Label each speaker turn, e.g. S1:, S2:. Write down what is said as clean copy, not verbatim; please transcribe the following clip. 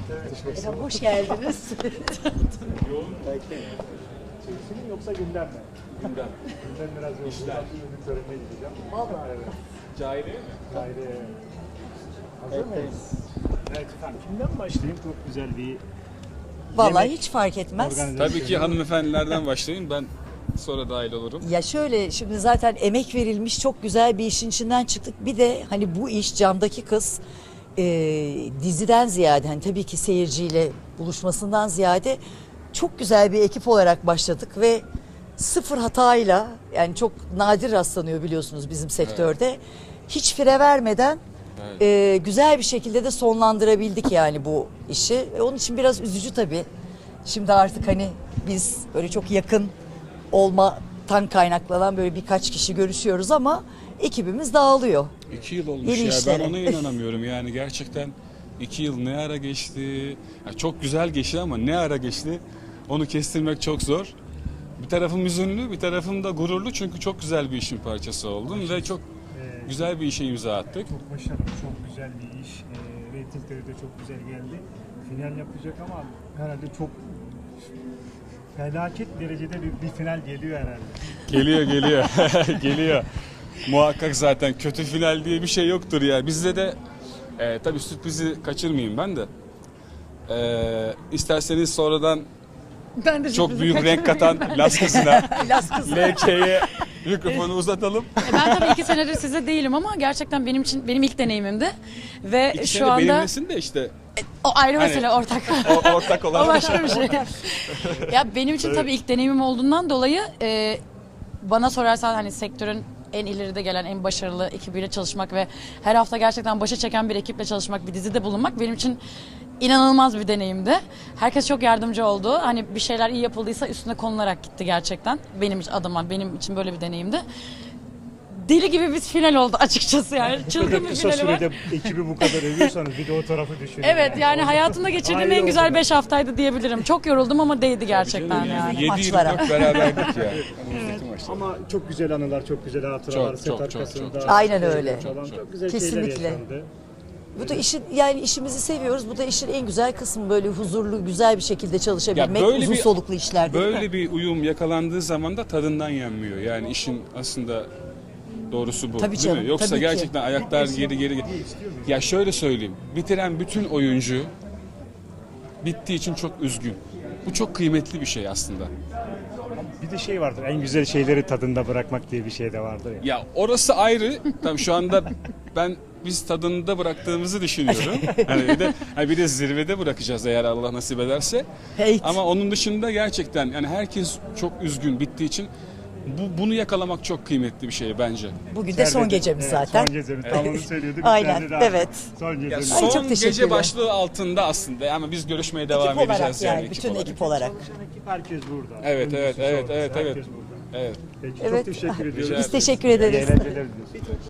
S1: Efendim, hoş geldiniz.
S2: Yoğun çekimi yoksa gündem mi?
S3: Gündem.
S2: Gündem biraz yoğun.
S3: İşler.
S2: Ürün törenine gideceğim.
S1: Vallahi.
S2: Evet.
S3: Cahiliye mi?
S2: Gayri. Hazır mıyız? Evet efendim. Kimden başlayayım? Çok güzel bir
S1: Vallahi
S2: yemek
S1: hiç fark etmez.
S2: organizasyonu.
S3: Tabii ki hanımefendilerden başlayın. Ben sonra dahil olurum.
S1: Ya şöyle, şimdi zaten emek verilmiş çok güzel bir işin içinden çıktık. Bir de hani bu iş Camdaki Kız diziden ziyade, hani tabii ki seyirciyle buluşmasından ziyade çok güzel bir ekip olarak başladık ve sıfır hatayla, yani çok nadir rastlanıyor biliyorsunuz bizim sektörde. Hiç fire vermeden güzel bir şekilde de sonlandırabildik yani bu işi. Onun için biraz üzücü tabii. Şimdi artık hani biz böyle çok yakın olmadan kaynaklanan böyle birkaç kişi görüşüyoruz ama ekibimiz dağılıyor.
S3: 2 yıl olmuş
S1: Yeni
S3: ya.
S1: işlere.
S3: Ben ona inanamıyorum yani gerçekten 2 yıl ne ara geçti? Ya çok güzel geçti ama ne ara geçti? Onu kestirmek çok zor. Bir tarafım üzünlü, bir tarafım da gururlu çünkü çok güzel bir işin parçası oldum ve çok güzel bir işe imza attık.
S2: Çok başarılı, çok güzel bir iş. Reytingleri de çok güzel geldi. Final yapacak ama herhalde çok felaket derecede bir final geliyor herhalde.
S3: Geliyor geliyor. Muhakkak zaten kötü final diye bir şey yoktur ya. Bizde de tabii sürprizi kaçırmayayım ben de. İsterseniz sonradan
S1: Ben de
S3: çok büyük renk katan Las kızına,
S1: Las kızı.
S3: LK'ye mikrofonu uzatalım.
S4: Ben tabii 2 senedir size değilim ama gerçekten benim için benim ilk deneyimimdi ve
S3: İki
S4: şu
S3: sene
S4: anda
S3: benimlesin de işte
S4: o ayrı
S3: Hani-
S4: mesele ortak.
S3: ortak
S4: O
S3: olan.
S4: başka bir şey. Ya benim için tabii ilk deneyimim olduğundan dolayı bana sorarsan hani sektörün en ileride gelen, en başarılı ekibiyle çalışmak ve her hafta gerçekten başa çeken bir ekiple çalışmak, bir dizide bulunmak benim için inanılmaz bir deneyimdi. Herkes çok yardımcı oldu. Hani bir şeyler iyi yapıldıysa üstüne konularak gitti gerçekten. Benim adıma, benim için böyle bir deneyimdi. Deli gibi bir final oldu açıkçası yani.
S2: Bu
S4: Çılgın
S2: kadar
S4: bir
S2: kısa
S4: finali var.
S2: sürede ekibi bu kadar övüyorsanız bir de o tarafı düşünün.
S4: Evet yani hayatımda geçirdiğim
S2: Ayrı
S4: en güzel
S2: oldu.
S4: 5 haftaydı diyebilirim. Çok yoruldum ama değdi gerçekten yani.
S3: 7-24 beraberdik ya. Önümüzdeki maçta.
S2: Ama çok güzel anılar, çok güzel hatıralar.
S3: Çok,
S2: Set
S3: çok,
S2: arkasında.
S3: çok.
S1: Aynen öyle.
S2: Falan çok güzel
S1: Kesinlikle.
S2: şeyler yaşandı.
S1: Bu da işin, yani işimizi seviyoruz. Bu da işin en güzel kısmı, böyle huzurlu, güzel bir şekilde çalışabilmek,
S3: böyle
S1: uzun
S3: bir-
S1: soluklu işler değil mi?
S3: Böyle bir uyum yakalandığı zaman da tadından yenmiyor. Yani işin aslında doğrusu bu.
S1: Tabii
S3: değil
S1: canım,
S3: mi? Yoksa
S1: tabii ki.
S3: gerçekten ayaklar geri. Ya şöyle söyleyeyim. Bitiren bütün oyuncu bittiği için çok üzgün. Bu çok kıymetli bir şey aslında.
S2: Bir de şey vardır, en güzel şeyleri tadında bırakmak diye bir şey de vardır ya.
S3: Ya orası ayrı. Tabii şu anda biz tadında bıraktığımızı düşünüyorum. Bir de zirvede bırakacağız eğer Allah nasip ederse.
S1: Hey.
S3: Ama onun dışında gerçekten yani herkes çok üzgün bittiği için bunu yakalamak çok kıymetli bir şey bence.
S1: Bugün de son gecemiz
S2: Evet,
S1: zaten.
S2: Son gecemiz, tam onu söylüyorduk.
S1: Aynen,
S2: İçeride de
S1: evet.
S2: Son
S3: Ya
S2: gecemiz.
S1: Ay, çok
S3: son
S1: teşekkürler.
S3: gece başlığı altında aslında ama biz görüşmeye devam
S1: Ekip olarak
S3: edeceğiz
S1: yani,
S3: ekip
S1: bütün
S3: olarak.
S1: ekip olarak.
S2: Ekip herkes burada.
S3: Evet, evet,
S2: Öncüsü,
S3: evet,
S2: sonrası,
S3: evet, evet.
S2: herkes burada.
S3: Evet.
S2: Peki,
S1: Evet.
S2: çok teşekkür ediyoruz.
S1: Biz teşekkür ederiz.
S2: İyi eğlenceler diliyoruz.